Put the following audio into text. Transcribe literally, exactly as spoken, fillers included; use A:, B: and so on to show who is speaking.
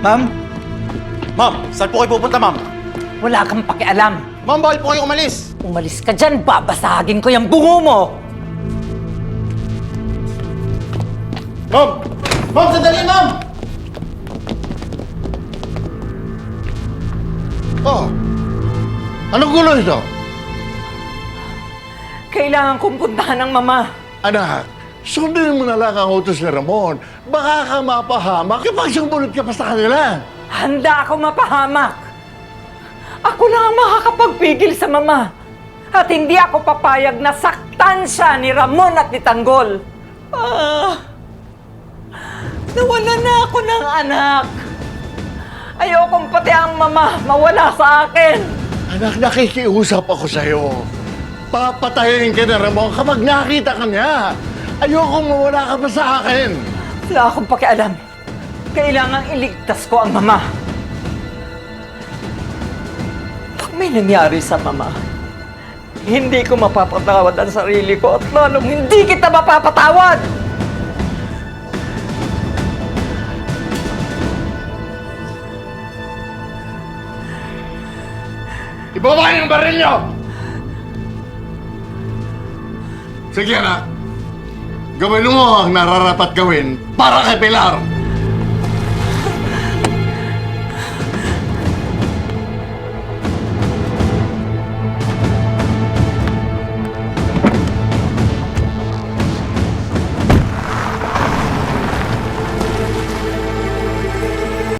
A: Ma'am?
B: Ma'am, saan po kayo pupunta, ma'am?
C: Wala kang pakialam.
B: Ma'am, bawal po kayo umalis.
C: Umalis ka dyan, babasagin ko yung bungo mo!
B: Ma'am! Ma'am, sandali, ma'am!
D: Oh, anong gulo ito?
C: Kailangan kong puntahan ng mama.
D: Anak, sundin mo na lang ang utos ni Ramon. Baka ka mapahamak kapag sumunod ka pa sa kanila.
C: Handa ako mapahamak. Ako lang ang makakapagpigil sa mama. At hindi ako papayag na saktan siya ni Ramon at ni Tanggol. Ah, nawala na ako ng anak. Ayokong pati ang mama mawala sa akin.
D: Anak, nakikiusap ako sa'yo. Papatayin ka na Ramon kapag nakita ka niya. Ayokong mawala ka pa sa akin.
C: Wala akong pakialam. Kailangang iligtas ko ang mama. Pag may nangyari sa mama, hindi ko mapapatawad ang sarili ko at lalong hindi kita mapapatawad!
D: Ibaba niyo ang baril niyo! Sige, anak. Gawin mo ang nararapat gawin para kay Pilar.